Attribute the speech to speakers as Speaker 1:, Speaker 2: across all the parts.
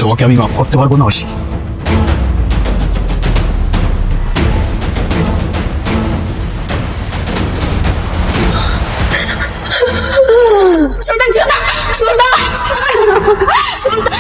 Speaker 1: তোমাকে আমি মাফ করতে পারবো না অসি।
Speaker 2: সুলতান ছিল না, সুলতান, সুলতান।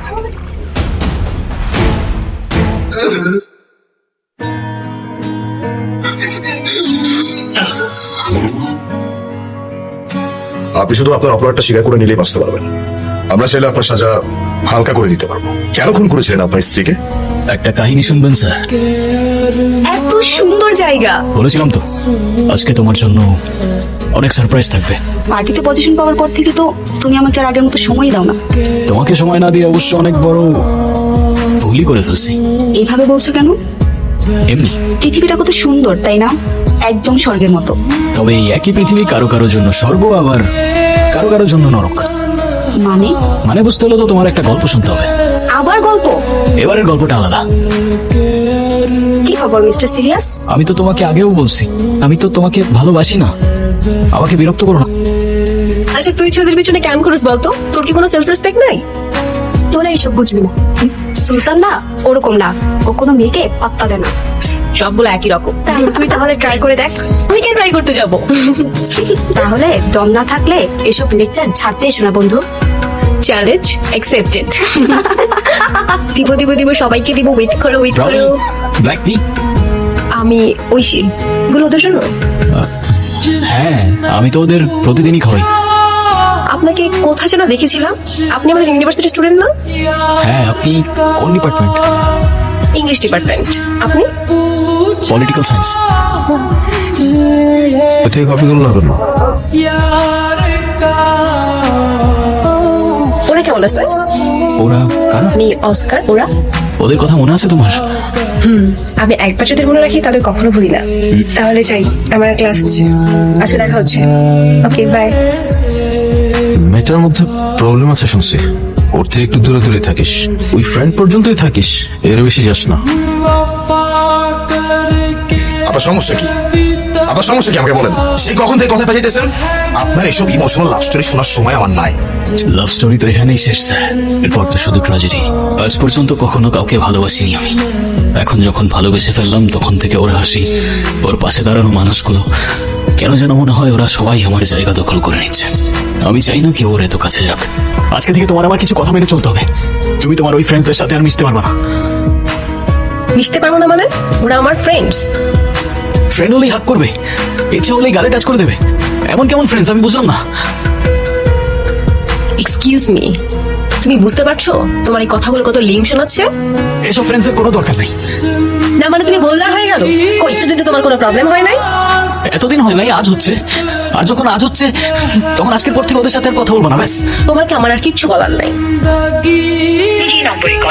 Speaker 3: আপনি শুধু আপনার অপরাধটা স্বীকার করে নিলেই বাঁচতে পারবেন। আমরা চাইলে আপনার সাজা হালকা করে দিতে পারবো। কেন খুন করেছিলেন আপনার স্ত্রীকে?
Speaker 1: একটা কাহিনী শুনবেন স্যার?
Speaker 2: এত সুন্দর জায়গা।
Speaker 1: বলেছিলাম তো আজকে তোমার জন্য অনেক সারপ্রাইজ থাকবে।
Speaker 2: পার্টিতে পজিশন পাওয়ার পর থেকে তো তুমি আমাকে আর আগের মতো সময় দাও না।
Speaker 1: তোমাকে সময় না দিয়ে অবশ্য অনেক বড় ভুলই করে ফেলছি।
Speaker 2: এইভাবে বলছো কেন?
Speaker 1: এমনি।
Speaker 2: পৃথিবীটা কত সুন্দর তাই না? একদম স্বর্গের মতো।
Speaker 1: তবে এই একই পৃথিবী কারো কারো জন্য স্বর্গ, আবার কারো কারো জন্য নরক।
Speaker 2: মানে?
Speaker 1: মানে বুঝতে হলে তো তোমার একটা গল্প শুনতে হবে।
Speaker 2: আবার গল্প?
Speaker 1: এবারের গল্পটা আলাদা।
Speaker 2: কি খবর মিস্টার সিরিয়াস?
Speaker 1: আমি তো তোমাকে আগেও বলছি, আমি তো তোমাকে ভালোবাসি না। আমাকে বিরক্ত করো না।
Speaker 4: আচ্ছা তুই ছেলেদের পিছনে কেন করিস বলতো? তোর কি কোনো সেলফ রেসপেক্ট নাই?
Speaker 2: তোরা এইসব বুঝবি না। সুলতান না ওরকম না, ও কোনো মেয়েকে পাত্তা দেয় না।
Speaker 4: সবগুলো একই রকম।
Speaker 2: তুই তাহলে ট্রাই করে দেখ।
Speaker 4: আমি কেন ট্রাই করতে যাব?
Speaker 2: তাহলে দম না থাকলে এসব লেকচার ছাড়তে এসো না বন্ধু।
Speaker 4: Challenge accepted. দিব সবাইকে দিব। ওয়েট করো।
Speaker 1: Black tea.
Speaker 4: আমি ঐশী। গুলো ওদের জন্য।
Speaker 1: হ্যাঁ, আমি তো ওদের প্রতিদিনই খাওয়াই।
Speaker 4: আপনাকে কোথায় যেন দেখেছিলাম। আপনি আমাদের ইউনিভার্সিটি স্টুডেন্ট না?
Speaker 1: হ্যাঁ, আপনি কোন ডিপার্টমেন্ট?
Speaker 4: English department. আপনি?
Speaker 1: Political science.
Speaker 3: থেকে কপি করলো না কেন?
Speaker 4: ওরা কেমন আছে?
Speaker 1: ওরা কারা?
Speaker 4: আমি অস্কার। ওরা?
Speaker 1: ওদের কথা মনে আছে তোমার?
Speaker 4: আমি একবার যদি মনে রাখি তাদের কখনো ভুলি না। তাহলে যাই, আমার ক্লাস আছে। আজকে দেখা হচ্ছে। Okay bye.
Speaker 5: মেয়েটার মধ্যে প্রবলেম আছে শুনছি। ওর থেকে একটু দূরে দূরে থাকিস। ওই ফ্রেন্ড পর্যন্তই থাকিস, এর বেশি যাস না।
Speaker 3: আপনার সমস্যা কি? আপনার সমস্যা কি আমাকে বলেন। সেই কখন থেকে কথা বাজাইতেছেন? আপনার এসব ইমোশনাল লাভ স্টোরি শোনার সময় আমার নাই।
Speaker 1: লাভ স্টোরি তো এখানেই শেষ স্যার। এরপর তো শুধু ট্র্যাজেডি। আজ পর্যন্ত কখনো কাউকে ভালোবাসিনি আমি। এখন যখন ভালোবেসে ফেললাম তখন থেকে ওর হাসি, ওর পাশে দাঁড়ানো মানুষগুলো, কেন যেন মনে হয় ওরা সবাই আমার জায়গা দখল করে নিচ্ছে। আমি চাই না কেউ ওর এত কাছে যাক। আজকে থেকে তোমার আমার কিছু কথা মেনে চলতে হবে। তুমি তোমার ওই ফ্রেন্ডসদের সাথে আর মিশতে পারবে না।
Speaker 4: মিশতে পারবো না মানে? ওরা আমার ফ্রেন্ডস।
Speaker 1: ফ্রেন্ড হলেই হাক করবে, ইচ্ছা হলেই গালে টাচ করে দেবে। এমন কেমন ফ্রেন্ডস আমি বুঝলাম না।
Speaker 4: এক্সকিউজ মি, তুমি বুঝতে পারছো তোমার এই কথাগুলো কত লিম শোনাচ্ছে?
Speaker 1: এসব ফ্রেন্ডসের কোনো দরকার নেই।
Speaker 4: না মানে তুমি বললার হয়ে গেল? কই এতদিন তো তোমার কোনো প্রবলেম হয় নাই?
Speaker 1: এতদিন হয় নাই, আজ হচ্ছে। আর যখন আজ হচ্ছে তখন আজকের পর থেকে ওদের সাথে আর কথা বলবো না। ব্যাস।
Speaker 4: তোমাকে আমার আর কিচ্ছু বলার নাই।